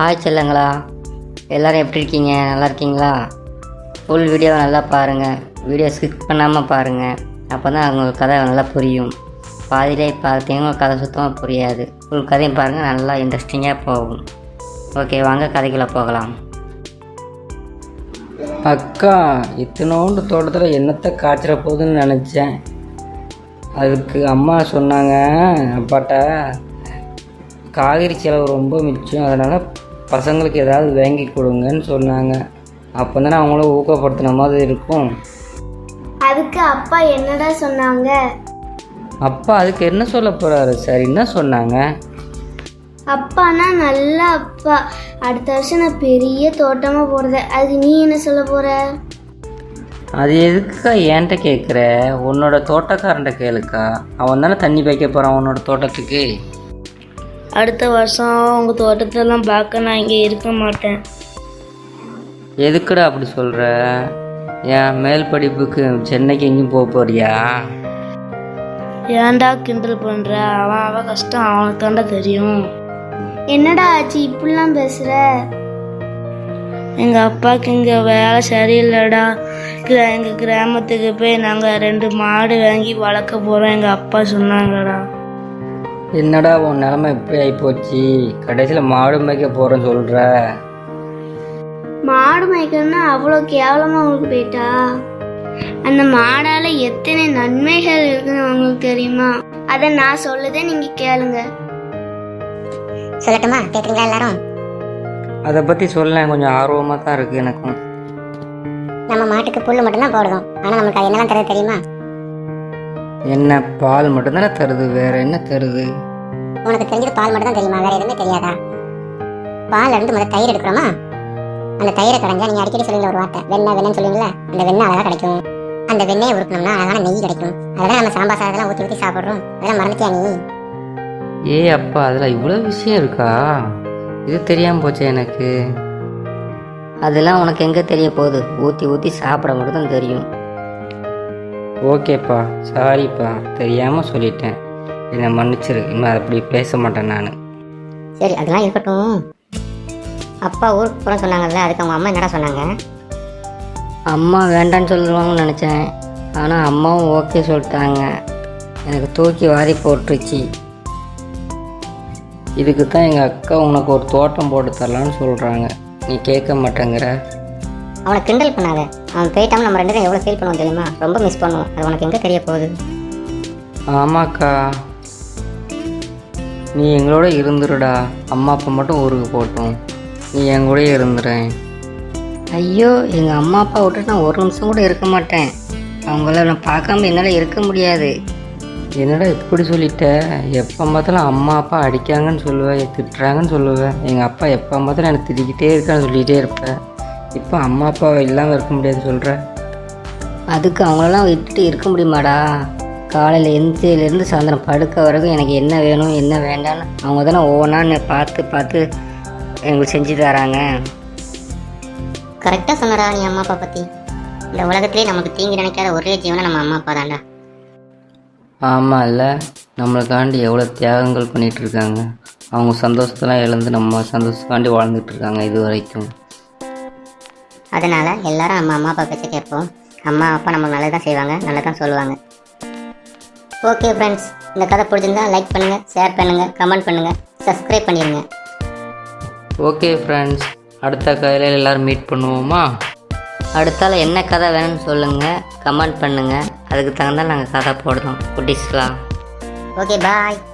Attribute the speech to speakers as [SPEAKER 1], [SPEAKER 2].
[SPEAKER 1] Hi செல்லங்களா, எல்லோரும் எப்படி இருக்கீங்க? நல்லா இருக்கீங்களா? ஃபுல் வீடியோவை நல்லா பாருங்கள், வீடியோ ஸ்கிப் பண்ணாமல் பாருங்கள். அப்போ தான் உங்களுக்கு கதை நல்லா புரியும். பாதியிலே பார்த்தீங்கன்னா உங்களுக்கு கதை சுத்தமாக புரியாது. ஃபுல் கதையும் பாருங்கள், நல்லா இன்ட்ரெஸ்டிங்காக போகும். ஓகே, வாங்க கதைக்குள்ளே போகலாம்.
[SPEAKER 2] அக்கா, இத்தனோண்டு தோட்டத்தில் என்னத்தை காய்ச்சிட போகுதுன்னு நினச்சேன். அதுக்கு அம்மா சொன்னாங்க, அப்பாட்ட காய்கறி செலவு ரொம்ப மிச்சம், அதனால் பசங்களுக்கு ஏதாவது வாங்கி கொடுங்கன்னு சொன்னாங்க. அப்போ தானே அவங்கள ஊக்கப்படுத்தின மாதிரி இருக்கும்.
[SPEAKER 3] அதுக்கு அப்பா என்னடா சொன்னாங்க?
[SPEAKER 2] அப்பா அதுக்கு என்ன சொல்ல போகிறாரு சார்? என்ன சொன்னாங்க?
[SPEAKER 3] அப்பானா நல்ல அப்பா, அடுத்த வருஷம் நான் பெரிய தோட்டமாக போடுறேன். அதுக்கு நீ என்ன சொல்ல போகிற?
[SPEAKER 2] அது எதுக்குக்கா என்கிட்ட கேட்குற? உன்னோட தோட்டக்காரன்ட்ட கேளுக்கா, அவன் தானே தண்ணி வைக்க போகிறான் உன்னோட தோட்டத்துக்கு.
[SPEAKER 4] அடுத்த வருஷம் உங்கள் தோட்டத்தெல்லாம் பார்க்க நான் இங்கே இருக்க மாட்டேன்.
[SPEAKER 2] எதுக்குடா அப்படி சொல்கிற? ஏன் மேல் படிப்புக்கு சென்னைக்கு எங்கேயும் போக போறியா?
[SPEAKER 4] ஏன்டா கிண்டல் பண்ணுற? அவன் கஷ்டம் அவனுக்கு தாண்டா தெரியும்.
[SPEAKER 3] என்னடா ஆச்சு இப்படிலாம் பேசுகிற?
[SPEAKER 4] எங்கள் அப்பாவுக்கு இங்கே வேலை சரியில்லைடா. எங்கள் கிராமத்துக்கு போய் நாங்கள் 2 மாடு வாங்கி வளர்க்க போகிறோம் எங்கள் அப்பா சொன்னாங்கடா.
[SPEAKER 2] என்னடா உன் நிலமை இப்படி ஆகிப்போச்சு? கடைசியில் மாடு மேய்க்க போகிறேன்னு சொல்கிற.
[SPEAKER 3] மாடு மேய்க்கணும்னா அவ்வளோ கேவலமாக உங்களுக்கு போயிட்டா? அந்த மாடால் எத்தனை நன்மைகள் இருக்குன்னு உங்களுக்கு தெரியுமா? அதை நான் சொல்லுதே நீங்கள் கேளுங்க.
[SPEAKER 5] சொல்லட்டுமா? கேட்குறீங்களா எல்லாரும்?
[SPEAKER 2] அதை பற்றி சொல்ல கொஞ்சம் ஆர்வமாக தான் இருக்குது எனக்கும்.
[SPEAKER 5] நம்ம மாட்டுக்கு புல் மட்டும்தான் போடுறோம், ஆனால் நமக்கு அது என்னெல்லாம் தருது தெரியுமா?
[SPEAKER 2] என்ன, பால் மட்டும்தானே தருது, வேற என்ன தருது?
[SPEAKER 5] உனக்கு தெரிஞ்சது பால் மட்டும் தான் தெரியுமா? வேற எதுவுமே தெரியாதா? பால் இருந்து முதல்ல தயிர் எடுக்கிறோமா, அந்த தயிரை கடைஞ்சா நீங்கள் அடிக்கடி சொல்லுவீங்க ஒரு வார்த்தை, வெண்ணெய் வெண்ணெய்னு சொல்லுவீங்களா, அந்த வெண்ணெய் அழகாக கிடைக்கும். அந்த வெண்ணெயை உருக்கணும்னா அழகான நெய் கிடைக்கும். அதெல்லாம் நம்ம சாம்பார் சாதத்தெல்லாம் ஊற்றி ஊற்றி சாப்பிட்றோம். அதெல்லாம் மறந்துட்டியா நீ?
[SPEAKER 2] ஏ அப்பா, அதில் இவ்வளோ விஷயம் இருக்கா? இது தெரியாமல் போச்சு எனக்கு.
[SPEAKER 1] அதெல்லாம் உனக்கு எங்கே தெரிய போகுது? ஊற்றி ஊற்றி சாப்பிட மட்டும் தான் தெரியும்.
[SPEAKER 2] ஓகேப்பா, சாரிப்பா, தெரியாமல் சொல்லிட்டேன், என்னை மன்னிச்சிரு. இன்னும் அப்படி பேச மாட்டேன் நான்.
[SPEAKER 5] சரி, அதெல்லாம் இருக்கட்டும். அப்பா ஊருக்கு போகிறோம் சொன்னாங்கல்ல, அதுக்கு அவங்க அம்மா என்னடா சொன்னாங்க?
[SPEAKER 1] அம்மா வேண்டான்னு சொல்லுவாங்கன்னு நினச்சேன், ஆனால் அம்மாவும் ஓகே சொல்லிட்டாங்க. எனக்கு தூக்கி வாரி போட்டுருச்சு.
[SPEAKER 2] இதுக்கு தான் எங்கள் அக்கா உனக்கு ஒரு தோட்டம் போட்டு தரலான்னு சொல்கிறாங்க, நீ கேட்க மாட்டேங்கிற.
[SPEAKER 5] அவனை கிண்டல் பண்ணாத. அவன் போயிட்டாமல் நம்ம 2 பேரும் எவ்வளோ ஃபீல் பண்ணுவோம் தெரியுமா? ரொம்ப மிஸ் பண்ணுவோம். அது உனக்கு எங்கே தெரிய போகுது?
[SPEAKER 2] ஆமாக்கா, நீ எங்களோட இருந்துருடா. அம்மா அப்பா மட்டும் ஊருக்கு போட்டோம், நீ என் கூட இருந்துறேன்.
[SPEAKER 1] ஐயோ, எங்கள் அம்மா அப்பா விட்டுட்டு நான் ஒரு நிமிஷம் கூட இருக்க மாட்டேன். அவங்கள நான் பார்க்காம என்னால் இருக்க முடியாது.
[SPEAKER 2] என்னடா இப்படி சொல்லிட்ட? எப்போ பார்த்தாலும் அம்மா அப்பா அடிக்காங்கன்னு சொல்லுவேன், திட்டுறாங்கன்னு சொல்லுவேன். எங்கள் அப்பா எப்போ பார்த்தாலும் எனக்கு திட்டிக்கிட்டே இருக்கான்னு சொல்லிகிட்டே இருப்பேன். இப்போ அம்மா அப்பா இல்லாமல் இருக்க முடியாது சொல்கிற.
[SPEAKER 1] அதுக்கு அவங்களெல்லாம் விட்டுட்டு இருக்க முடியுமாடா? காலையில் எந்திரிலேருந்து சாயந்தரம் படுக்க வரைக்கும் எனக்கு என்ன வேணும் என்ன வேண்டான்னு அவங்க தானே ஒவ்வொன்றா பார்த்து பார்த்து எங்களுக்கு செஞ்சு தராங்க.
[SPEAKER 5] கரெக்டாக சொன்னடா நீ அம்மா அப்பா பற்றி. இந்த உலகத்திலே நமக்கு தீங்கு நினைக்காத ஒரே ஜீவனை நம்ம அம்மா அப்பா தான்டா.
[SPEAKER 2] ஆமாம் இல்லை, நம்மளுக்காண்டி எவ்வளோ தியாகங்கள் பண்ணிகிட்ருக்காங்க. அவங்க சந்தோஷத்தெல்லாம் இழந்து நம்ம சந்தோஷத்துக்காண்டி வாழ்ந்துட்டுருக்காங்க இது வரைக்கும்.
[SPEAKER 5] அதனால் எல்லாரும் நம்ம அம்மா அப்பா பேச்ச கேட்போம். அம்மா அப்பா நம்ம நல்லது தான் செய்வாங்க, நல்லது தான் சொல்லுவாங்க. ஓகே ஃப்ரெண்ட்ஸ், இந்த கதை பிடிச்சிருந்தா லைக் பண்ணுங்கள், ஷேர் பண்ணுங்கள், கமெண்ட் பண்ணுங்கள், சப்ஸ்கிரைப் பண்ணிடுங்க.
[SPEAKER 2] ஓகே ஃப்ரெண்ட்ஸ், அடுத்த கதையில் எல்லோரும் மீட் பண்ணுவோமா?
[SPEAKER 1] அடுத்தால என்ன கதை வேணும்னு சொல்லுங்கள், கமெண்ட் பண்ணுங்கள். அதுக்கு தகுந்தால் நாங்கள் கதை போடுறோம் குட்டீஸ்லாம்.
[SPEAKER 5] ஓகே, பாய்.